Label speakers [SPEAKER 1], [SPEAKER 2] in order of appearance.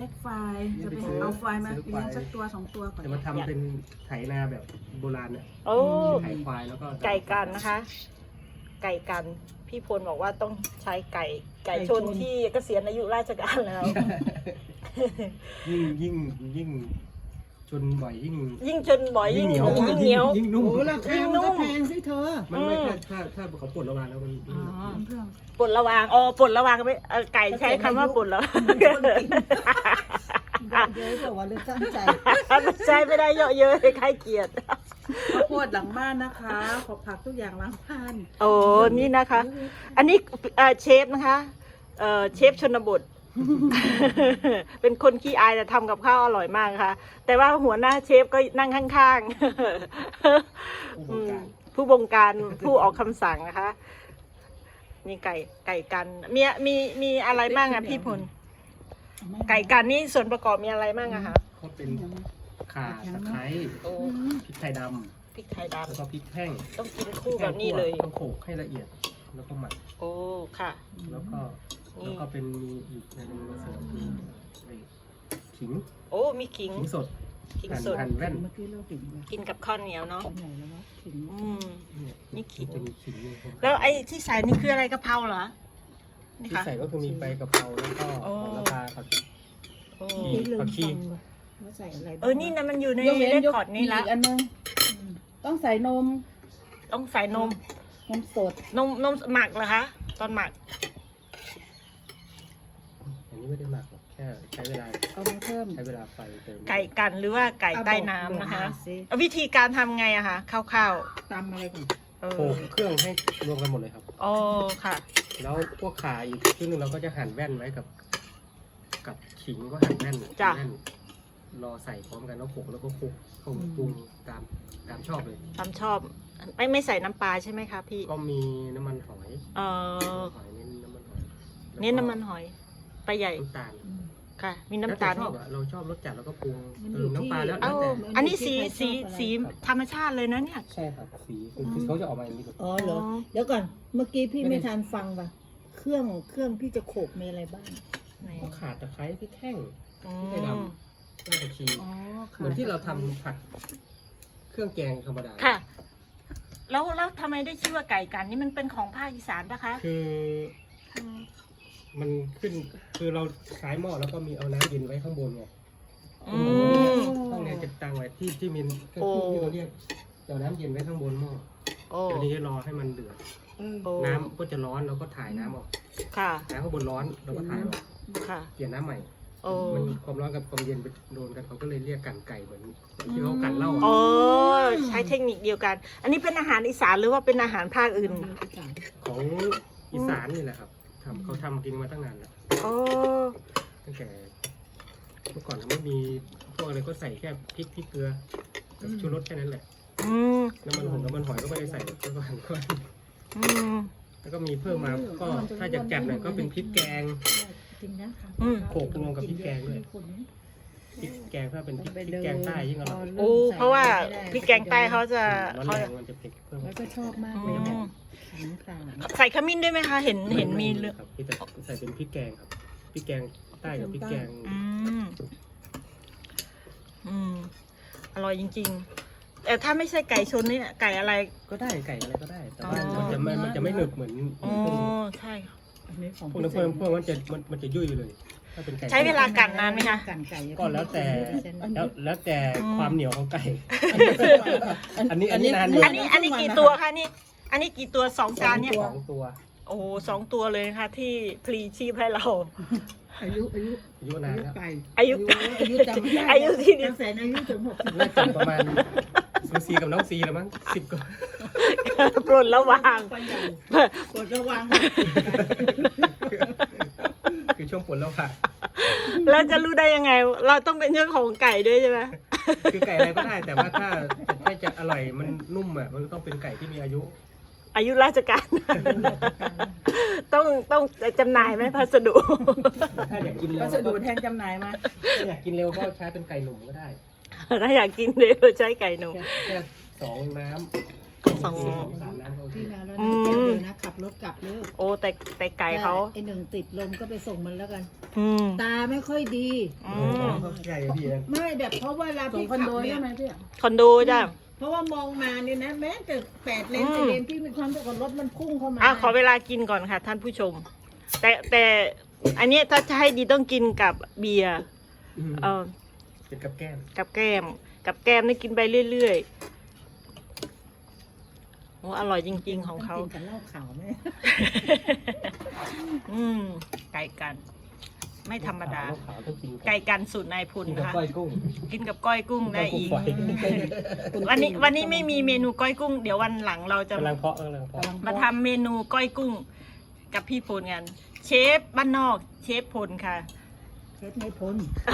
[SPEAKER 1] ล็กไฟล์จะไปเอาไฟล์มาเลี้ยงสักตัว2 ตัวก่อน
[SPEAKER 2] จะมาทำเป็นไถนาแบบโบราณเนี่ย
[SPEAKER 3] โอ้
[SPEAKER 2] ไถควายแล้วก็
[SPEAKER 3] ไก่กันนะคะ ไก่กันพี่พลบอกว่าต้องใช้ไก่ชนที่เกษียณอายุราชการแล้ว
[SPEAKER 2] ยิ่งชนบ่อยยิ่ง
[SPEAKER 3] ชนบ่อยยิ่งเหนียว
[SPEAKER 2] ยิ่งนุ่ม
[SPEAKER 1] โอ้ราคามันก็แพงสิเธอ
[SPEAKER 2] มันไม่ถ้าเขาปลดระวางแล้วมัน
[SPEAKER 1] เพื่อน
[SPEAKER 3] ปลดระวางปลดระวางไม่ไก่ใช้คำว่าปลดแล้ว
[SPEAKER 1] เยอะกว่าเรื่องตั้งใจ
[SPEAKER 3] ใช้ไม่ได้เยอะเยอะใครเกลียด
[SPEAKER 1] ข้าวโพดหลังบ้านนะคะขอผักทุกอย่างหลังบ้าน
[SPEAKER 3] โอ้นี่นะคะ อันนี้เชฟนะคะเชฟชนบท เป็นคนขี้อายแต่ทำกับข้าวอร่อยมากค่ะ แต่ว่าหัวหน้าเชฟก็นั่งข้างๆ ผู้บงการผู้ออกคำสั่งนะคะ นี่ไก่กันมีอะไรบ้างอะพี่พล ไก่กันนี่ส่วนประกอบมีอะไรบ้างอะคะ
[SPEAKER 2] ก็เป็นข่าตะไคร้
[SPEAKER 3] โอ้
[SPEAKER 2] พริกไทยด
[SPEAKER 3] พริกไทย
[SPEAKER 2] ำแล้ว
[SPEAKER 3] ดำ
[SPEAKER 2] ก็พริกแห้ง
[SPEAKER 3] ต้องกินคู่แบบนี้เลย
[SPEAKER 2] ต้องโขลกให้ละเอียดแล้วก็หมัก
[SPEAKER 3] โอ้ค่ะ
[SPEAKER 2] แล้วก็เป็นมีอีกในหนึ่งมาเสริมคือขิง
[SPEAKER 3] โอ้มีขิง
[SPEAKER 2] ขิงสด
[SPEAKER 3] ขิงสด
[SPEAKER 2] หั่นแว่น
[SPEAKER 1] เมื่อกี้เราถึง
[SPEAKER 3] กินกับข้าวเหนียวเนาะ
[SPEAKER 1] ไหนแล้ววะถึง
[SPEAKER 3] อืม นี่ขิง
[SPEAKER 2] จะมีขิงนี่ครับ
[SPEAKER 3] แล้วไอ้ที่ใส่นี่คืออะไรกะเพราเหรอ นี่
[SPEAKER 2] ที่
[SPEAKER 3] ค่ะ
[SPEAKER 2] ใส่ก็คือมีใบกะเพราแล้วก็
[SPEAKER 3] โอ้
[SPEAKER 2] โหระพาผัก
[SPEAKER 3] โอ้
[SPEAKER 2] ผักชี
[SPEAKER 1] ว่าใส่อะไร
[SPEAKER 3] นี่นะมันอยู่ในเรคคอร์ดนี่ละ
[SPEAKER 1] อีกอันนึงต้องใส่นม
[SPEAKER 3] ต้องใส่นม
[SPEAKER 1] นมสด
[SPEAKER 3] นมหมักเหรอคะ ตอนหมัก
[SPEAKER 2] อันนี้ไม่ได้หมักหรอกแค่ใช้เวลา
[SPEAKER 1] เอามาเพิ่ม
[SPEAKER 2] ใช้เวลาไฟเติม
[SPEAKER 3] ไก่กันหรือว่าไก่ใต้น้ำนะคะ วิธีการทำไงอะคะคร่าว
[SPEAKER 1] ตำอะไรก่อน
[SPEAKER 3] ๆ
[SPEAKER 2] โขลกเครื่องให้รวมกันหมดเลยครับ
[SPEAKER 3] อ๋อค่ะ
[SPEAKER 2] แล้วพวกขาอีกชิ้นหนึงเราก็จะหั่นแว่นไว้กับขิงก็หั่นแว่น
[SPEAKER 3] จ้ะ
[SPEAKER 2] แว่นรอใส่พร้อมกันแล้วโขลกแล้วก็คลุกเข้าปรุงตามชอบเลย
[SPEAKER 3] ตามชอบ ไม่ใส่น้ำปลาใช่ไหมคะพี่
[SPEAKER 2] ก็มีน้ำมันหอย
[SPEAKER 3] เออ
[SPEAKER 2] หอยเน้นน้ำมันหอย
[SPEAKER 3] เน้นน้ำมันหอยปลาใหญ่
[SPEAKER 2] น้ำตาล
[SPEAKER 3] ค่ะ มีน้ำตาล
[SPEAKER 2] แล้วแต่ชอบอะเราชอบรสจัดแล้วก็ปรุงเติมน้ำปลาแล้ว
[SPEAKER 3] เอ้า
[SPEAKER 2] แต่
[SPEAKER 3] อันนี้สีธรรมชาติเลยนะเนี่ย
[SPEAKER 2] ใช่ครับสีคือเขาจะออกมาอย่างนี้
[SPEAKER 1] อ๋อเหรอเดี๋ยวก่อนเมื่อกี้พี่ไม่ทันฟังว่ะเครื่องพี่จะโขกมีอะไรบ้าง
[SPEAKER 3] ไหน
[SPEAKER 2] ก็ขาดตะไคร้พริกแห้ง
[SPEAKER 3] อื
[SPEAKER 2] พริกไทยด
[SPEAKER 3] ม
[SPEAKER 2] ำรากผักชี
[SPEAKER 1] อ๋อ
[SPEAKER 2] เหมือนที่เราทำผัดเครื่องแกงธรรมดา
[SPEAKER 3] ค่ะ แล้วทำไมได้ชื่อว่าไก่กันนี่มันเป็นของภาคอีสานปะคะ
[SPEAKER 2] คือมันขึ้นคือเราใช้หม้อแล้วก็มีเอาน้ำเย็นไว้ข้างบนไง
[SPEAKER 3] อืม
[SPEAKER 2] ห้องเนี้จะตั้งไว้ที่มีเครื่องที่เราเรียกเอาน้ำเย็นไว้ข้างบนหม้อ
[SPEAKER 3] โอ้
[SPEAKER 2] เดี๋ยวนี้รอให้มันเดือด
[SPEAKER 3] โอ้
[SPEAKER 2] น้ำก็จะร้อนเราก็ถ่ายน้ำออก
[SPEAKER 3] ค่ะ
[SPEAKER 2] น้ำข้างบนร้อนเราก็ถ่ายออก
[SPEAKER 3] ค่ะ
[SPEAKER 2] เปลี่ยนน้ำใหม่
[SPEAKER 3] โอ้
[SPEAKER 2] มันความร้อนกับความเย็นไปโดนกันเขาก็เลยเรียกกันไก่เหมือนที่เขากันเหล้า
[SPEAKER 3] โอ้
[SPEAKER 2] อะ
[SPEAKER 3] ใช้เทคนิคเดียวกัน อันนี้เป็นอาหารอีสานหรือว่าเป็นอาหารภาคอื่น
[SPEAKER 2] ของอีสานนี่แหละครับเขาทำกินมาตั้งนานแล้ว
[SPEAKER 3] โอ้
[SPEAKER 2] ตั้งแต่เมื่อก่อนไม่มีพวกอะไรก็ใส่แค่พริกเกลือกับชูรสแค่นั้นแหละ
[SPEAKER 3] อืม
[SPEAKER 2] น้ำมันหอยก็ไม่ได้ใส่ก็หั่นก็
[SPEAKER 3] อืม
[SPEAKER 2] แล้วก็มีเพิ่มมาก็ถ้าจะจัดหน่อยก็เป็นพริกแกง
[SPEAKER 1] จริงนะคะ
[SPEAKER 2] โขลกรวมกับพริกแกงด้วยพริกแกงถ้าเป็นพริกแกงใต้ยิ่งอร่อย
[SPEAKER 3] โอ้เพราะว่าพริกแกงใต้เขาจะ
[SPEAKER 2] ร้อน
[SPEAKER 3] เขา
[SPEAKER 2] แรงมันจะเผ็ดเพิ่ม
[SPEAKER 1] แล้วก็ชอบมาก
[SPEAKER 3] อื
[SPEAKER 1] เลยแบบ
[SPEAKER 3] ม
[SPEAKER 1] ขิงข่า
[SPEAKER 3] ใส่ขมิ้นด้วยไหมคะ เห็นมีเลือด
[SPEAKER 2] ครับที่จะใส่เป็นพริกแกงครับพริกแกงใต้กับพริกแกง
[SPEAKER 3] อืม อืม อร่อยจริงๆ แต่ถ้าไม่ใช่ไก่ชนนี่ไก่อะไร
[SPEAKER 2] ก็ได้ไก่อะไรก็ได้ แต่ว่า
[SPEAKER 3] อ๋อ
[SPEAKER 2] มันจะไม่หนึบเหมือน
[SPEAKER 3] อ๋อ
[SPEAKER 2] พวกนี้
[SPEAKER 3] ใช่ค่ะ
[SPEAKER 1] อันนี้ของ
[SPEAKER 2] พวกนั้นพวกมันจะยุ่ยเลย ถ้าเป็นไก่
[SPEAKER 3] ใช้เวลากันนานไหมคะ
[SPEAKER 1] กันไก่
[SPEAKER 2] ก็แล้วแต่ความเหนียวของไก่ อันนี้นาน
[SPEAKER 3] อันนี้กี่ตัวคะนี่ อันนี้กี่ตัว2 จานเนี่ย
[SPEAKER 2] 2 ตัว
[SPEAKER 3] โอ้โห2 ตัวเลยนะคะที่พลีชีพให้เรา
[SPEAKER 1] อายุ
[SPEAKER 2] อายุนานแล้ว
[SPEAKER 1] ไก่
[SPEAKER 3] อายุ
[SPEAKER 1] จำไม่ได้
[SPEAKER 3] อายุที่นี่
[SPEAKER 1] แสนอายุถึง60
[SPEAKER 2] น่าจะประมาณซีกับน้องซีแล้วมั้ง10กว่า
[SPEAKER 3] ปลดระวาง
[SPEAKER 1] กดระวัง
[SPEAKER 2] คือช่วงปวดแล้วค่ะ
[SPEAKER 3] แล้วจะรู้ได้ยังไง เราต้องเป็นเจ้าของไก่ด้วยใช่ไหม
[SPEAKER 2] คือไก่อะไรก็ได้ แต่ว่าถ้าจะอร่อยมันนุ่มอ่ะมันต้องเป็นไก่ที่มีอายุ
[SPEAKER 3] อายุราชการ ต้องจำหน่ายไหมพัสดุ
[SPEAKER 2] ถ้าอยากกินเร็ว
[SPEAKER 1] พัสดุแทนจำหน่ายมา
[SPEAKER 2] ถ้าอยากกินเร็วก็ใช้เป็นไก่หนุ่มก็ได้
[SPEAKER 3] ถ้าอยากกินเร็วใช้ไก่หนุ่ม
[SPEAKER 2] แค่2 น้ำ
[SPEAKER 3] สอง
[SPEAKER 2] สามน้ำเขา
[SPEAKER 1] พี่มาแล้ว
[SPEAKER 3] อื
[SPEAKER 1] นะ
[SPEAKER 3] ม
[SPEAKER 1] เดี๋ยวนะขับรถกลับเลย
[SPEAKER 3] โอ้แต่ไก่เขา
[SPEAKER 1] ไอหนึ่งติดลมก็ไปส่งมันแล้วกัน
[SPEAKER 3] อืม
[SPEAKER 1] ตาไม่ค่อยดี
[SPEAKER 3] อืม
[SPEAKER 2] เขาใหญ่พี่นะ
[SPEAKER 1] ไม่แบบเพราะว่าเวลา
[SPEAKER 4] ส่ง
[SPEAKER 1] พี่
[SPEAKER 4] คอน
[SPEAKER 1] ขั
[SPEAKER 4] โด
[SPEAKER 1] บเนี่
[SPEAKER 4] ใช่
[SPEAKER 1] ย
[SPEAKER 4] ไหมพี่
[SPEAKER 3] คอนโดจ้ะ
[SPEAKER 1] เพราะว่ามองมาเนี่ยนะ แม้แต่8 เลน
[SPEAKER 3] อืม
[SPEAKER 1] 10 เลนพี่มีความรู้สึกว่ารถมันพุ่งเข้ามา
[SPEAKER 3] ขอเวลากินก่อนค่ะท่านผู้ชม แต่อันนี้ถ้าจะให้ดีต้องกินกับเบียร์เออ
[SPEAKER 2] เป็นกับแก้ม
[SPEAKER 3] กับแก้มนี่กินไปเรื่อยๆโอ้อร่อยจริงๆของเขา
[SPEAKER 1] ต้กินกับเหล้าขาวไหม
[SPEAKER 3] ไก่กัน ไม่ธรรมดา
[SPEAKER 2] ขาวต้องกิน
[SPEAKER 3] ไก่กันสูตรนายพล
[SPEAKER 2] กินกับ
[SPEAKER 3] นะคะ
[SPEAKER 2] ก้อยกุ้ง
[SPEAKER 3] กินกับก้อยกุ้งได้อีก
[SPEAKER 2] ก้อยกุ้งฝอย
[SPEAKER 3] วันนี้ไม่มีเมนูก้อยกุ้ง เดี๋ยววันหลังเราจะ
[SPEAKER 2] กำลังเพาะกำลังเพาะ
[SPEAKER 3] มาทำเมนูก้อยกุ้ง กับพี่พลกัน เชฟบ้านนอกเชฟพลค่ะ
[SPEAKER 1] เช็ดไม่พ้น